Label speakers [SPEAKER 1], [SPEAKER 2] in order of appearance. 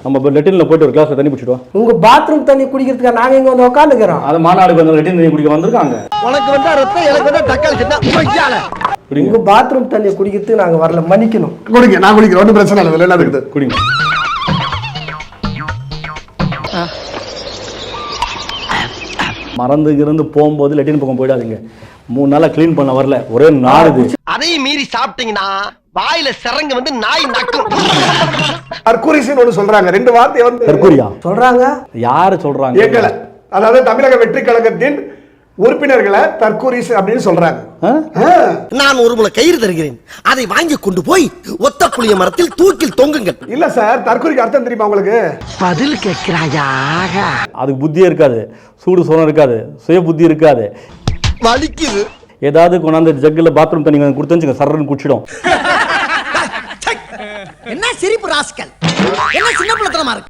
[SPEAKER 1] நம்ம லெட்டின்ல போயிட்டு ஒரு கிளாஸ்ல தண்ணி பிடிச்சிடுவோம்.
[SPEAKER 2] உங்க பாத்ரூம் தண்ணி குடிக்கிறதுக்கு நாங்க இங்க வந்து உட்காந்துக்கிறோம்.
[SPEAKER 1] அது மாநாடுக்கு வந்து லெட்டின் தண்ணி குடிக்க வந்திருக்காங்க.
[SPEAKER 3] உனக்கு வந்தா ரத்தம், எனக்கு வந்தா தக்காளி சட்னி.
[SPEAKER 2] உங்க பாத்ரூம் தண்ணி குடிக்கிறதுக்கு நாங்க வரல, மன்னிக்கணும்.
[SPEAKER 4] குடிங்க, நான் குடிக்கிறேன், ஒன்றும் பிரச்சனை இல்லை. என்ன இருக்குது
[SPEAKER 1] குடிங்க. மறந்து இருந்து போகும்போது லெட்டின் பக்கம் போயிடாதீங்க. 3 நாளா கிளீன் பண்ண வரல, ஒரே நாடுது.
[SPEAKER 3] அதையும் மீறி சாப்பிட்டீங்கன்னா வாயில சிறங்க வந்து நாய் நக்கும்.
[SPEAKER 4] தற்கூரிசின்னு ஒண்ணு சொல்றாங்க, 2 வார்த்தை வந்து
[SPEAKER 1] தற்கூரியா
[SPEAKER 2] சொல்றாங்க.
[SPEAKER 1] யாரு சொல்றாங்க?
[SPEAKER 4] எங்களை, அதாவது தமிழக வெற்றி கழகத்தின் உறுப்பினர்களை தற்கூரிசு அப்படின்னு சொல்றாங்க.
[SPEAKER 3] நான் ஒரு முளை கயிறு தருகிறேன், அதை வாங்கி கொண்டு போய் ஒத்த புளிய மரத்தில் தூக்கில் தொங்குங்கள்.
[SPEAKER 4] இல்ல சார், தற்கூரிக்கு அர்த்தம் தெரியுமா உங்களுக்கு?
[SPEAKER 3] பதில் கேட்கிறாயா?
[SPEAKER 1] அதுக்கு புத்தியே இருக்காது, சூடு சோனம் இருக்காது, சுய புத்தி இருக்காது.
[SPEAKER 3] வலிக்குது.
[SPEAKER 1] ஏதாவது கொண்டாந்து ஜக்குல பாத்ரூம் தண்ணி கொடுத்து சரன்னு குடிச்சிடும்.
[SPEAKER 3] என்ன சிரிப்பு ராஸ்கல், என்ன சின்ன பிள்ளை